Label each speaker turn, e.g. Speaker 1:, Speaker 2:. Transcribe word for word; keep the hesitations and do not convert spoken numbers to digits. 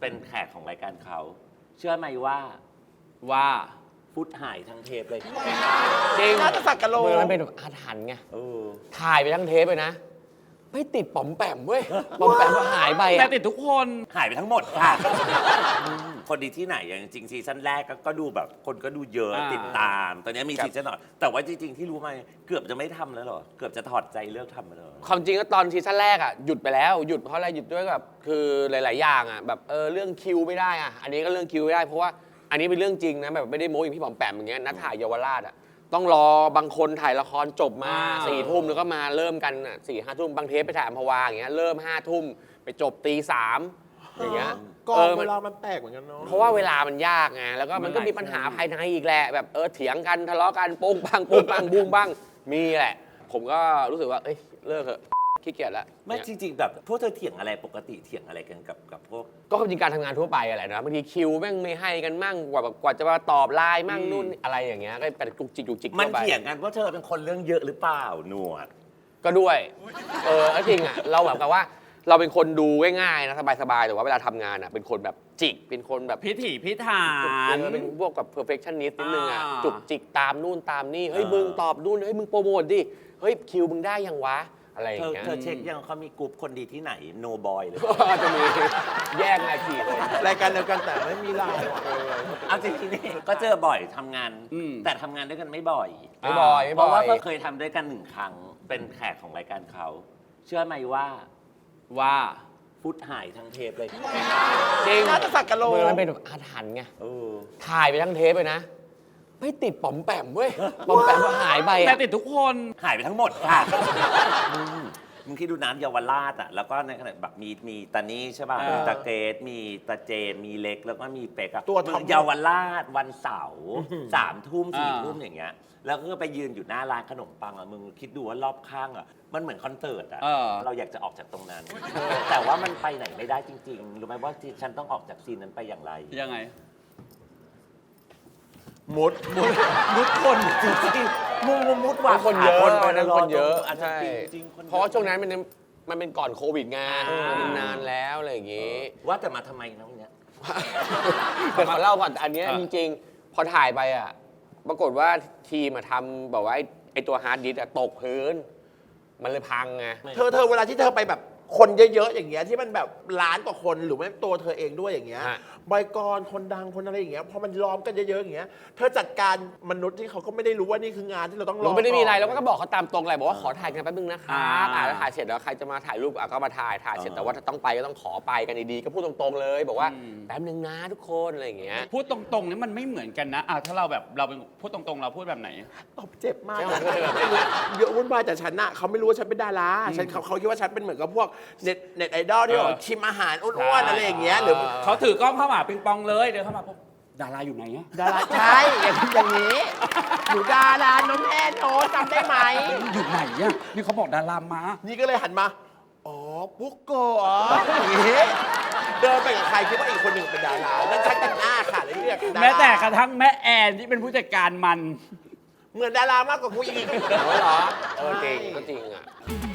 Speaker 1: เป็นแขกของรายการเขาเชื่อไหมว่า
Speaker 2: ว่า
Speaker 1: ฟุตหายทั้งเทปเลย
Speaker 3: จริงน่าจะสักกะโล
Speaker 4: มันเป็นแบบอาถรรพ์ไง
Speaker 1: เออ
Speaker 4: ถ่ายไปทั้งเทปเลยนะ ไม่ติดป๋อมแปมเว้ยป๋อมแปมก็หายไป
Speaker 2: แต่
Speaker 4: อะ
Speaker 2: ติดทุกคน
Speaker 1: หายไปทั้งหมดค่ะ คนดีที่ไหนอย่างจริงซีซั่นแรกก็ดูแบบคนก็ดูเยอะติดตาม ตอนนี้มีซีซั่นหน่อยแต่ว่าจริงๆที่รู้มาเกือบจะไม่ทำแล้วเหรอเกือบจะถอดใจเลิกทำมาแล้ว
Speaker 4: ความจริงก็ตอนซีซั่นแรกอ่ะหยุดไปแล้วหยุดเพราะอะไรหยุดด้วยแบบคือหลาย ๆ อย่างอ่ะแบบเออเรื่องคิวไม่ได้อ่ะอันนี้ก็เรื่องคิวไม่ได้เพราะว่าอันนี้เป็นเรื่องจริงนะแบบไม่ได้โม้อย่างพี่ป๋อมแปมอย่างเงี้ยนัดถ่ายเยาวราชอ่ะต้องรอบางคนถ่ายละครจบมาสี่ทุ่มแล้วก็มาเริ่มกันอ่ะสี่ห้าทุ่มบางเทปไปถ่ายอัมพวาอย่างเงี้ยเริ่มห้าทุ่มไปจบตีสามอย่างเงี้ย
Speaker 3: กองเวลามันแปลกเหมือนกันเนาะ
Speaker 4: เพราะว่าเวลามันยากไงแล้วก็มันก็มีปัญหาภายในอีกแหละแบบเออเถียงกันทะเลาะกันปุ้งปังปุ้งปังบุ้งบ้างมีแหละ ผมก็รู้สึกว่าเอ้ยเลิกเถอะขี้เกียจแล้ว
Speaker 1: ไม่จริงๆแบบพวกเธอเถียงอะไรปกติเถียงอะไรกันกับกับพวก
Speaker 4: ก็ความจริงการทำงานทั่วไปอะไรนะบางทีคิวแม่งไม่ให้กันมั่งกว่าแบบกว่าจะมาตอบไลน์มั่งนู่นอะไรอย่างเงี้ยก็เป็นจุกจิกจุกจิก
Speaker 1: มัน
Speaker 4: ทั่วไป
Speaker 1: เถียงกันว่าเธอเป็นคนเรื่องเยอะหรือเปล่าหนวด
Speaker 4: ก็ด้วยเออแล้วจริงอ่ะเราแบบกับว่าเราเป็นคนดูง่ายๆนะสบายๆแต่ว่าเวลาทำงานอ่ะเป็นคนแบบจิกเป็นคนแบบ
Speaker 2: พิถีพิถั
Speaker 4: เอน อเป็นพวกกับ perfectionist นิดนึงอ่ะ
Speaker 2: อ่า
Speaker 4: จุกจิกตามนู่นตามนี่เฮ้ย
Speaker 1: เออ
Speaker 4: มึงตอบนู่นเฮ้ยมึงโปรโมทดิเฮ้ยคิวมึงได้ยังวะอะไรอ
Speaker 1: เธ
Speaker 4: ย่าง
Speaker 1: อ
Speaker 4: เงี้ย
Speaker 1: เธอเช็คยังเขามีกลุ่มคนดีที่ไหนโนบอยเลย
Speaker 4: จะมีแยกนาทีเลย
Speaker 3: รายการเดียวกันแต่ไม่มีไลน์
Speaker 1: เอาจริงๆนี่ก็เจอบ่อยทำงาน
Speaker 2: อืม
Speaker 1: แต่ทำงานด้วยกันไม่บ่อย
Speaker 4: ไม่บ่อยไม่
Speaker 1: เพ
Speaker 4: บ่
Speaker 1: ราะ
Speaker 4: อ
Speaker 1: ว่าย ก็เคยทำด้วยกันหนึ่งครั้งเป็นแขกของรายการเขาเชื่อไหมว่า
Speaker 2: ว่า
Speaker 1: ฟุตหายทั้งเทปเลย
Speaker 4: จริง
Speaker 3: น่าจะสักกะโล
Speaker 4: มันเป็นแบบอาถรรพ์ไง
Speaker 1: เออ
Speaker 4: ถ่ายไปทั้งเทปเลยนะ ไม่ติดป๋อมแปมเว้ยป๋อมแปมก็หายไป
Speaker 2: แต่
Speaker 4: อะ
Speaker 2: ติดทุกคน
Speaker 1: หายไปทั้งหมดค่ะอืมมึงคิดดูน้ำเยาวราชอ่ะแล้วก็ในขณะแบบมีมีตานี่ใช่ป่ะ
Speaker 2: เออ
Speaker 1: มีตาเกตมีตาเจนมีเล็กแล้วก็มีเป็กอะ
Speaker 3: ตัวท็อป
Speaker 1: เยาวราชวันเสาร์สามทุ่มสี่ทุ่มอย่างเงี้ยแล้วก็ไปยืนอยู่หน้าร้านขนมปังอ่ะมึงคิดดูว่ารอบข้างอ่ะมันเหมือนคอนเสิร์ตอ่ะ
Speaker 2: เออ
Speaker 1: เราอยากจะออกจากตรงนั้น แต่ว่ามันไปไหนไม่ได้จริงๆรู้ไหมว่าที่ฉันต้องออกจากซีนนั้นไปอย่างไร
Speaker 2: ยังไง
Speaker 3: มุดมุด
Speaker 1: มุดคนจริงๆมุดมุดมุดว่ะ
Speaker 4: คนเยอะ
Speaker 1: หา
Speaker 4: นั้นคนเยอะ
Speaker 1: อาจจะ
Speaker 4: ใช่
Speaker 1: จริงๆคนยอ
Speaker 4: เพราะว่าช่วงนั้นมันมันเป็นก่อนโควิดไง
Speaker 1: อ่ามั
Speaker 4: มันนานแล้วอะไรอย่างงี้
Speaker 1: ว่าแต่มาทำไมนะวันเนี้ย
Speaker 4: เดี๋ยวขอเล่าก่อนแต่อันเนี้ย
Speaker 2: อ่ะ
Speaker 4: จริงๆ พอถ่ายไปอ่ะ ปรากฏว่าทีมมาทำแบบว่าไอ้ไอตัวฮาร์ดดิสก์อะตกพื้น มันเลยพังไง
Speaker 3: เธอเธอเวลาที่เธอไปแบบคนเยอะๆอย่างเงี้ยที่มันแบบล้านกว่าคนหรือไม่ตัวเธอเองด้วยอย่างเงี้ย
Speaker 4: ฮะ
Speaker 3: บอยกรคนดังคนอะไรอย่างเงี้ยพอมันล้อมกันเยอะๆอย่างเงี้ยเธอจัดการมนุษย์ที่เขาก็ไม่ได้รู้ว่านี่คืองานที่เราต้องรอ
Speaker 4: เราไม่ได้มีอะไร
Speaker 3: ก่น
Speaker 4: เราก็บอกเขาตามตรงเลยบอกว่าขอถ่ายกันแป๊บนึงนะครับ
Speaker 2: อ่า
Speaker 4: อ่าแล้วถ่ายเสร็จแล้วใครจะมาถ่ายรูปอ่ะก็มาถ่ายถ่ายเสร็จแต่ว่าถ้าต้องไปก็ต้องขอไปกันดีๆก็พูดตรงๆเลย บอกว่าแป๊บนึงนะทุกคนอะไรอย่างเงี้ย
Speaker 2: พูดตรงๆนี่มันไม่เหมือนกันนะอ่ะถ้าเราแบบเราเป็นพูดตรงๆ เราพูดแบบไหน
Speaker 3: ตบเจ็บมาก
Speaker 4: ใช่ไหม
Speaker 3: เยอะวุ่นวายแต่ฉันน่ะเขาไม่รู้ว่าฉันเป็นดาราฉันเขาเขาคิดว่าฉันเป็นเหมือนกับพวกเน็ตเน็ตไอดอลที่
Speaker 2: เออ
Speaker 3: แบบชิมอาหารอ้วนๆอะไรอย่างเงี้ยหรือ
Speaker 2: เขาถือกล้องเข้ามาปิงปองเลยเดินเข้ามาปุ๊บดาราอยู่ไหนอะ
Speaker 3: ดาราใช่อย่างอย่างนี้หนูดาราน้องแอนโทจำได้ไหม
Speaker 2: อยู่ไหนอะนี่เขาบอกดารามา
Speaker 3: นี่ก็เลยหันมา อ๋อ ปุ๊กโกอ๋ออย่างงี้เดินไปกับใครคิดว่าอีกคนหนึ่งเป็นดาราแล้วชักกันหน้าค่ะเลยเรียกดารา
Speaker 2: แม้แต่กระทั่งแม่แอนที่เป็นผู้จัดการมัน
Speaker 3: เหมือนดารามากกว่ากูอีก
Speaker 4: เหรอเออจริงก็จริงอ่ะ